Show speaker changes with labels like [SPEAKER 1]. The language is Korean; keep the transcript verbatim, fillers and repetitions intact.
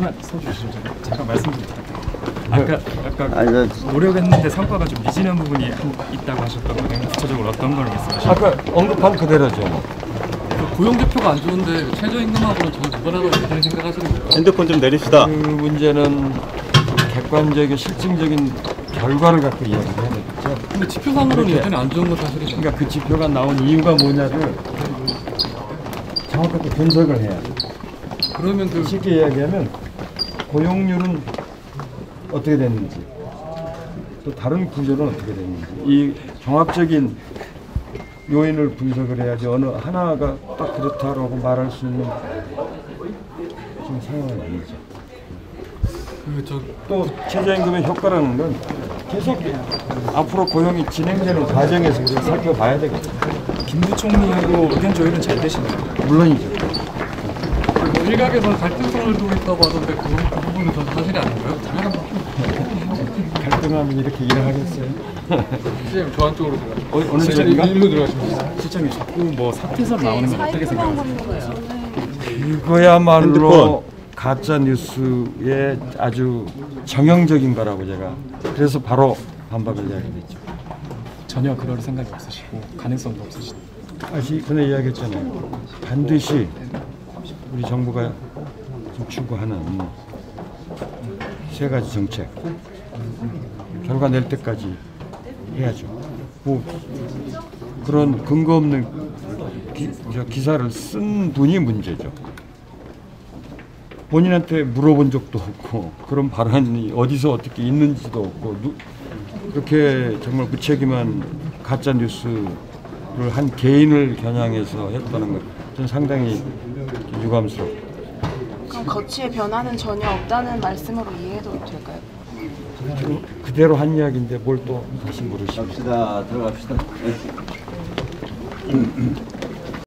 [SPEAKER 1] 서주시죠. 잠깐 말씀 좀 부탁드립니다. 아까 아까 아니, 노력했는데 성과가 좀 미진한 부분이 있다고 하셨던 거는 구체적으로 어떤 걸 말씀하셨나요?
[SPEAKER 2] 아까 언급한 그대로죠.
[SPEAKER 3] 고용 지표가 안 좋은데 최저임금하고는 전혀 무관하다고 여전히 생각하시는 거예요?
[SPEAKER 4] 핸드폰 좀 내립시다.
[SPEAKER 2] 그 문제는 객관적인 실증적인 결과를 갖고 이야기를 해야 되겠죠.
[SPEAKER 3] 근데 지표상으로는 여전히 안 좋은 건 사실이죠.
[SPEAKER 2] 그러니까 그 지표가 나온 이유가 뭐냐를 정확하게 분석을 해야 돼.
[SPEAKER 3] 그러면 그
[SPEAKER 2] 쉽게 이야기하면 고용률은 어떻게 됐는지 또 다른 구조는 어떻게 됐는지 이 종합적인 요인을 분석을 해야지 어느 하나가 딱 그렇다라고 말할 수 있는 지금 상황은 아니죠.
[SPEAKER 3] 그 저
[SPEAKER 2] 또 최저임금의 효과라는 건 계속 앞으로 고용이 진행되는 과정에서 우리가 살펴봐야 되겠죠.
[SPEAKER 1] 김 부총리하고 의견 조율은 잘 되시나요?
[SPEAKER 2] 물론이죠.
[SPEAKER 3] 뭐 일각에서는 갈등성을 두고 있다고 하던데 그, 그 부분은 전 사실이 아닌가요?
[SPEAKER 2] 갈등하면 이렇게 일을 하겠어요?
[SPEAKER 3] 시장님 저 한쪽으로 들어가요.
[SPEAKER 2] 어, 어느 쪽인가?
[SPEAKER 3] 일로 들어가시면
[SPEAKER 1] 실장님 자꾸 뭐 사태설 나오는 건 어떻게 생각하세요?
[SPEAKER 2] 그거야말로
[SPEAKER 4] 핸드폰.
[SPEAKER 2] 가짜 뉴스의 아주 정형적인 거라고 제가 그래서 바로 반박을 이야기했죠.
[SPEAKER 1] 전혀 그럴 생각이 없으시고 가능성도 없으시고
[SPEAKER 2] 다시 전에 이야기했잖아요. 반드시 우리 정부가 지금 추구하는 세 가지 정책 결과 낼 때까지 해야죠. 뭐 그런 근거 없는 기, 저 기사를 쓴 분이 문제죠. 본인한테 물어본 적도 없고 그런 발언이 어디서 어떻게 있는지도 없고 누, 그렇게 정말 무책임한 가짜 뉴스를 한 개인을 겨냥해서 했다는 것 저는 상당히 유감스럽고.
[SPEAKER 5] 그럼 거취의 변화는 전혀 없다는 말씀으로 이해해도 될까요?
[SPEAKER 2] 지금 그대로 한 이야기인데 뭘 또 다시 물으시죠.
[SPEAKER 4] 갑시다. 들어갑시다.